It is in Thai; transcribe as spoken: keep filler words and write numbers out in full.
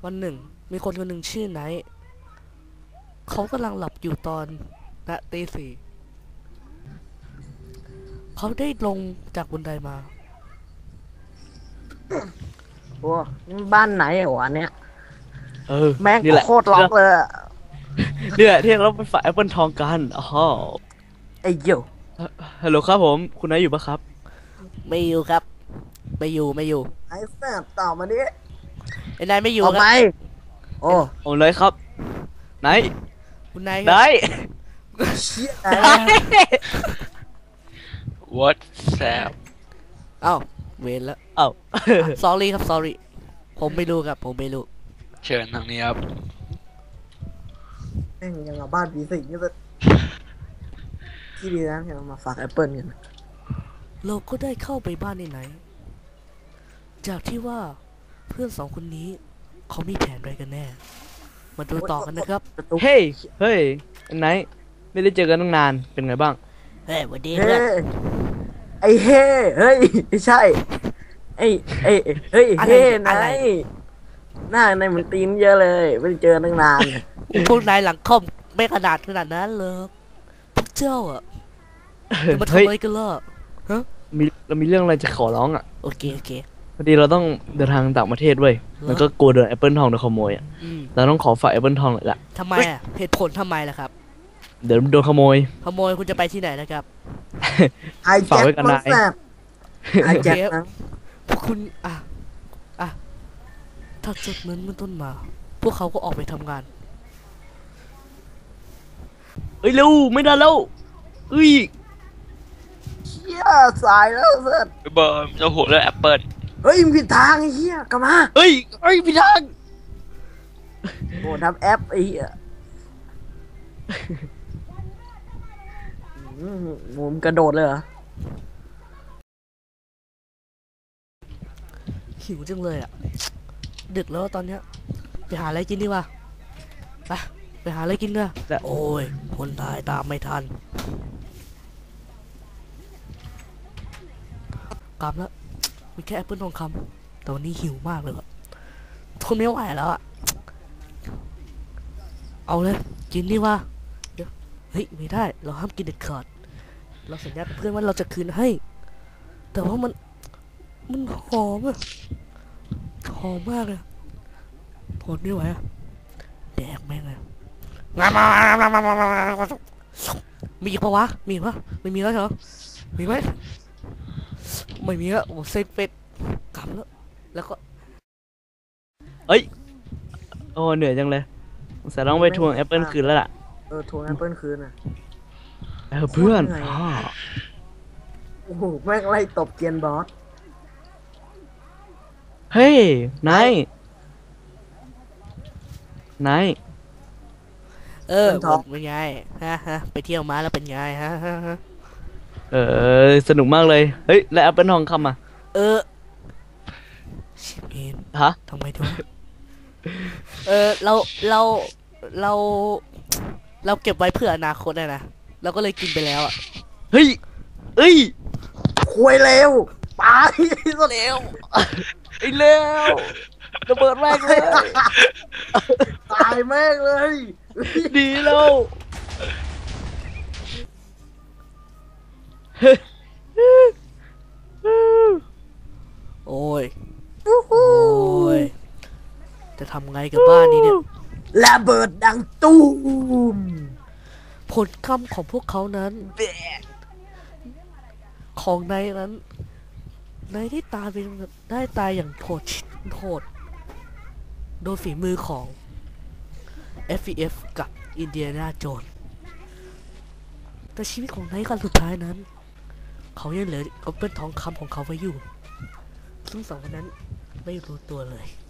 วันหนึ่งมีคนคนหนึ่งชื่อไนท์เขากำลังหลับอยู่ตอนณตีสี่เขาได้ลงจากบันไดมาโอ้นี่บ้านไหนวะเนี่ยเออแม่งนี่แหละโคตรล็อกเลยอะนี่แหละที่เราไปฝ่ายแอปเปิลทองกันอ๋อไอ้เหี้ยฮัลโหลครับผมคุณนายอยู่ปะครับไม่อยู่ครับไม่อยู่ไม่อยู่ไอ้แซ่บต่อมาดิไอ้นายไม่อยู่เอาคไปรับโอ้โอ้เลยครับไหนคุณนายคไหนรับเชี่ย What แซบเอ้าเวรแล้วเอ้า sorry ครับ sorry ผมไม่รู้ครับผมไม่รู้เชิญทางนี้ครับแม่งยังเอาบ้านผีสิงนี่จะที่ดีนะที่เรามาฝากแอปเปิลกันเราก็ได้เข้าไปบ้านในไหนจากที่ว่าเพื่อนสองคนนี้เขามีแผนอะไรกันแน่มาดูต่อกันนะครับเฮ้ยเฮ้ยไหนไม่ได้เจอกันตั้งนานเป็นไงบ้างเฮ้ยวันดีเฮ้เพื่อนไอ้เฮ้เฮ้ยไม่ใช่ไอ้ไอ้เฮ้ยเฮ้นายหน้านายเหมือนตีนเยอะเลยไม่ได้เจอตั้งนานพวกนายหลังคอมไม่ขนาดขนาดนั้นเลยพวกเจ้าอะจะมาทำเฮ้ยอะไรกันล่ะฮะมีเรามีเรื่องอะไรจะขอร้องอ่ะโอเคโอเคพอดีเราต้องเดินทางต่างประเทศเว้ยแล้วก็กลัวโดนแอปเปิลทองโดนขโมยอ่ะอืมเราต้องขอฝากแอปเปิลทองหน่อยละทำไมอะเหตุผลทำไมล่ะครับเดี๋ยวโดนขโมยขโมยคุณจะไปที่ไหนนะครับไอ้แจ็คมันแซ่บไอ้แจ็คนะพวกคุณอ่ะอ่ะถ้าจุดนั้นมันต้นมา พวกเขาก็ออกไปทำงานเอ้ยเร็วไม่ได้แล้วเอ้ยเชี่ยสายแล้วเสร็จเบอร์เราหัวเรื่องแอปเปิลเฮ้ยมึงผิดทางไอ้เหี้ยกลับมาเอ้ยเอ้ยพี่ทางโอ้ทำแอปไอ้เหี้ยอืมโหมนกระโดดเลยเหรอหิวจังเลยอ่ะดึกแล้วตอนเนี้ยไปหาอะไรกินดีกว่าไปไปหาอะไรกินเถอะโอ้ยคนตายตามไม่ทันกลับแล้วมีแค่แอปเปิลทองคำแต่วันนี้หิวมากเลยอะทนไม่ไหวแล้วอ่ะเอาเลยกินดีว่าเดี๋ยวเฮ้ยไม่ได้เราห้ามกินเด็ดขาดเราสัญญากับเพื่อนว่าเราจะคืนให้ แต่ว่ามันมันหอมอะหอมมากเลยทนไม่ไหวอะแดกแม่งเลยมีอีกปะวะมีปะไม่มีแล้วเหรอมีไหมไม่มีแล้วโอ้เซ็งเป็ดกลับแล้วแล้วก็เอ้ยโอ้เหนื่อยจังเลยสงสัยต้องไปทวงแอปเปิลคืนแล้วล่ะเออทวงแอปเปิลคืนอ่ะเออเพื่อนเหนื่อยอ๋อโอ้โหแม่งไล่ตบเกียนบอสเฮ้ยนายนายเออเป็นไงฮะฮะไปเที่ยวมาแล้วเป็นไงฮะฮะฮะเออสนุกมากเลยเฮ้ยแล้วแอปเปิลทองคำอ่ะเออชิบเอ็นฮะทำไมถึงเออเราเราเราเราเก็บไว้เพื่ออนาคตนะนะเราก็เลยกินไปแล้วอ่ะเฮ้ยเอ้ยคุยเร็วตายซะเร็วไอ้เร็วระเบิดแม่งเลยตายแม่งเลยดีแล้วโอ้ยโอ้ยจะทำไงกับบ้านนี้เนี่ยระเบิดดังตูมผลกรรมของพวกเขานั้นของนายนั้นนายได้ตายเป็นได้ตายอย่างโหดโหดโดยฝีมือของ เอฟ วี เอฟ กับอินเดียนาโจนส์แต่ชีวิตของนายกันสุดท้ายนั้น เขายังเหลือแอปเปิลทองคำของเขาไว้อยู่ซึ่งสองคนนั้นไม่รู้ตัวเลย